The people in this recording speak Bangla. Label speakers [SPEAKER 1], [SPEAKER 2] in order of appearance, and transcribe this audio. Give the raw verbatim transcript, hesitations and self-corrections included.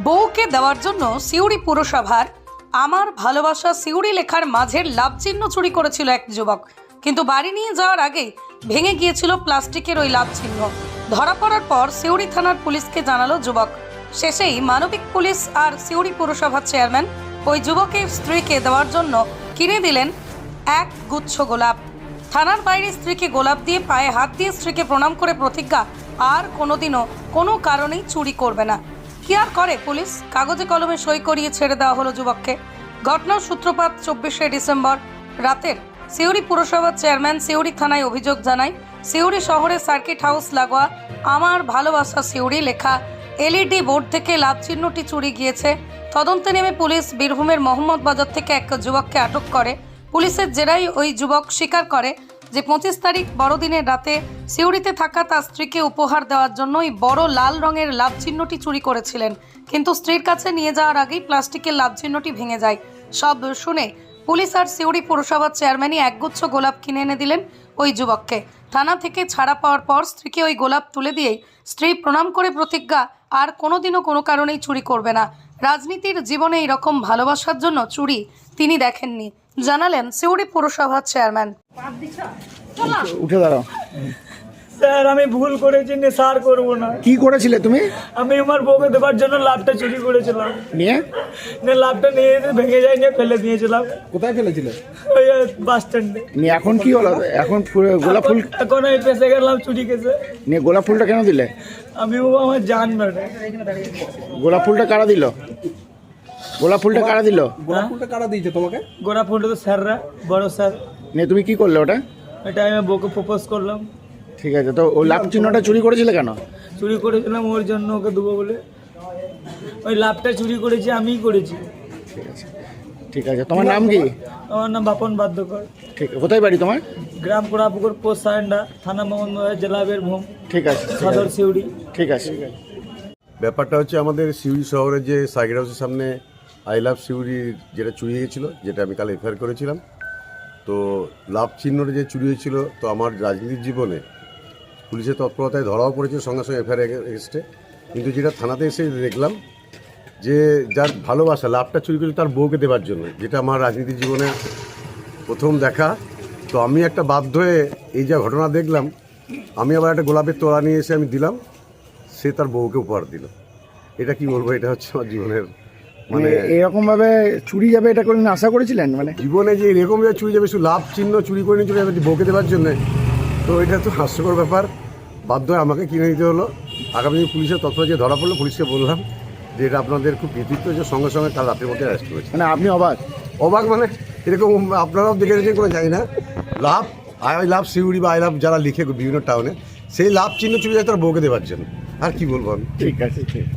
[SPEAKER 1] বউকে দেওয়ার জন্য সিউড়ি পুরসভার আমার ভালোবাসা সিউড়ি লেখার মাঝের লাভ চিহ্ন চুরি করেছিল এক যুবক। কিন্তু বাড়ি নিয়ে যাওয়ার আগেই ভেঙে গিয়েছিল প্লাস্টিকের ওই লাভ চিহ্ন। ধরা পড়ার পর সিউড়ি থানার পুলিশকে জানালো যুবক। শেষেই মানবিক পুলিশ আর সিউড়ি পুরসভার চেয়ারম্যান ওই যুবকের স্ত্রীকে দেওয়ার জন্য কিনে দিলেন এক গুচ্ছ গোলাপ। থানার বাইরে স্ত্রীকে গোলাপ দিয়ে পায়ে হাত দিয়ে স্ত্রীকে প্রণাম করে প্রতিজ্ঞা, আর কোনোদিনও কোনো কারণেই চুরি করবে না। কি আর করে পুলিশ, কাগজে কলমে সই করিয়ে ছেড়ে দেওয়া হলো যুবককে। ঘটনার সূত্রপাত চব্বিশে ডিসেম্বর রাতের। সিউড়ি পুরসভার চেয়ারম্যান সিউড়ি থানায় অভিযোগ জানায়, সিউড়ি শহরের সার্কিট হাউস লাগোয়া আমার ভালোবাসা সিউড়ি লেখা এলইডি বোর্ড থেকে লাভ চিহ্নটি চুরি গিয়েছে। তদন্তে নেমে পুলিশ বীরভূমের মোহাম্মদ বাজার থেকে এক যুবককে আটক করে। পুলিশের জেরায় ওই যুবক স্বীকার করে যে পঁচিশ তারিখ বড়দিনের রাতে সিউড়িতে থাকা তার স্ত্রীকে উপহার দেওয়ার জন্য ওই বড় লাল রঙের লাভ চিহ্নটি চুরি করেছিলেন। কিন্তু স্ত্রীর কাছে নিয়ে যাওয়ার আগেই প্লাস্টিকের লাভ চিহ্নটি ভেঙে যায়। সব শুনে পুলিশ আর সিউড়ি পুরসভার চেয়ারম্যানই একগুচ্ছ গোলাপ কিনে এনে দিলেন ওই যুবককে। থানা থেকে ছাড়া পাওয়ার পর স্ত্রীকে ওই গোলাপ তুলে দিয়েই স্ত্রী প্রণাম করে প্রতিজ্ঞা, আর কোনোদিনও কোনো কারণেই চুরি করবে না। রাজনীতির জীবনে এইরকম ভালোবাসার জন্য চুরি তিনি দেখেননি, জানালেন সিউড়ি পুরসভার চেয়ারম্যান।
[SPEAKER 2] উঠে দাঁড়াও।
[SPEAKER 3] স্যার, আমি ভুল করেছি, নেশার করবো না।
[SPEAKER 2] কি করেছিলে তুমি?
[SPEAKER 3] আমি আমার বউকে দেবার জন্য লাভটা চুরি করেছিলাম।
[SPEAKER 2] নিয়ে
[SPEAKER 3] না, লাভটা নিয়ে ভেঙে যায় নিয়ে ফেলে দিয়েছিলাম।
[SPEAKER 2] কোথায় ফেলেছিলে?
[SPEAKER 3] ওই বাস স্ট্যান্ডে।
[SPEAKER 2] নিয়ে এখন কি হলো? এখন ফুল- গোলাপ ফুল
[SPEAKER 3] এখন আমি ফেসে গেলাম চুরি কেসে।
[SPEAKER 2] নিয়ে গোলাপ ফুলটা কেন দিলে?
[SPEAKER 3] আমি ও আমার জান মানে।
[SPEAKER 2] গোলাপ ফুলটা কারা দিল? গোলাপ ফুলটা কারা দিল?
[SPEAKER 3] গোলাপ ফুলটা কারা দিয়েছে তোমাকে? গোলাপ ফুলটা তো স্যাররা, বড় স্যার।
[SPEAKER 2] নিয়ে তুমি কি করলে ওটা?
[SPEAKER 3] এটা আমি বউকে প্রপোজ করলাম।
[SPEAKER 2] ঠিক আছে, তো ওই লাভ চিহ্নটা চুরি করেছিলে কেন?
[SPEAKER 3] চুরি করেছিলাম ওর জন্য, ওকে দেবো বলে। ওই লাভটা চুরি করেছি, আমিই করেছি।
[SPEAKER 2] ঠিক আছে, ঠিক আছে। তোমার নাম কি?
[SPEAKER 3] আমার নাম বাপন বাদ্যকর।
[SPEAKER 2] ঠিক আছে। কোথায় বাড়ি তোমার?
[SPEAKER 3] গ্রাম কোড়াপুকুর, পোস্ট সারেন্ডা, থানা মোহাম্মদ, জেলা বীরভূম,
[SPEAKER 2] ঠিক আছে, ঠিক
[SPEAKER 3] সদর
[SPEAKER 2] আছে,
[SPEAKER 3] সিউড়ি।
[SPEAKER 2] ঠিক আছে।
[SPEAKER 4] ব্যাপারটা হচ্ছে আমাদের সিউড়ি শহরে যে সার্কিট হাউসের সামনে আই লাভ সিউড়ি যেটা চুরি হয়েছিল, যেটা আমি কাল এফআইআর করেছিলাম। তো লাভ চিহ্নটা যে চুরি হয়েছিল, তো আমার রাজনীতির জীবনে পুলিশের তৎপরতায় ধরাও পড়েছে সঙ্গে সঙ্গে এফআইআর এগেস্টে। কিন্তু যেটা থানাতে এসে দেখলাম যে যার ভালোবাসা লাভটা চুরি করেছে তার বউকে দেওয়ার জন্য, যেটা আমার রাজনীতির জীবনে প্রথম দেখা। তো আমি একটা বাধ্য হয়ে এই যা ঘটনা দেখলাম, আমি আবার একটা গোলাপের তোড়া নিয়ে এসে আমি দিলাম, সে তার বউকে উপহার দিল। এটা কি বলবো, এটা হচ্ছে আমার জীবনের
[SPEAKER 2] মানে
[SPEAKER 4] মানে
[SPEAKER 2] এরকম ভাবে চুরি যাবে এটা কোনদিন আশা করেছিলেন? মানে
[SPEAKER 4] জীবনে যে এরকম যে চুরি যাবে, শুধু লাভ চিহ্ন চুরি করে নিয়ে চলে যাবে বউকে দেওয়ার জন্য, তো এটা তো হাস্যকর ব্যাপার। বাধ্য হয়ে আমাকে কিনে নিতে হলো। আগামী দিন পুলিশের তৎপর যে ধরা পড়লো, পুলিশকে বললাম যে এটা আপনাদের খুব কৃতিত্ব, যে সঙ্গে সঙ্গে কাল রাতের মধ্যে অ্যারেস্ট করেছে।
[SPEAKER 2] মানে আপনি অবাক?
[SPEAKER 4] অবাক মানে এরকম আপনারাও দেখে রেখে কোনো জানি না। লাভ আই লাভ সিউড়ি বা আই লাভ যারা লিখে বিভিন্ন টাউনে, সেই লাভ চিহ্ন চুরি যায় তার বউকে দেওয়ার জন্য। আর কি বলবো আমি।
[SPEAKER 2] ঠিক আছে, ঠিক।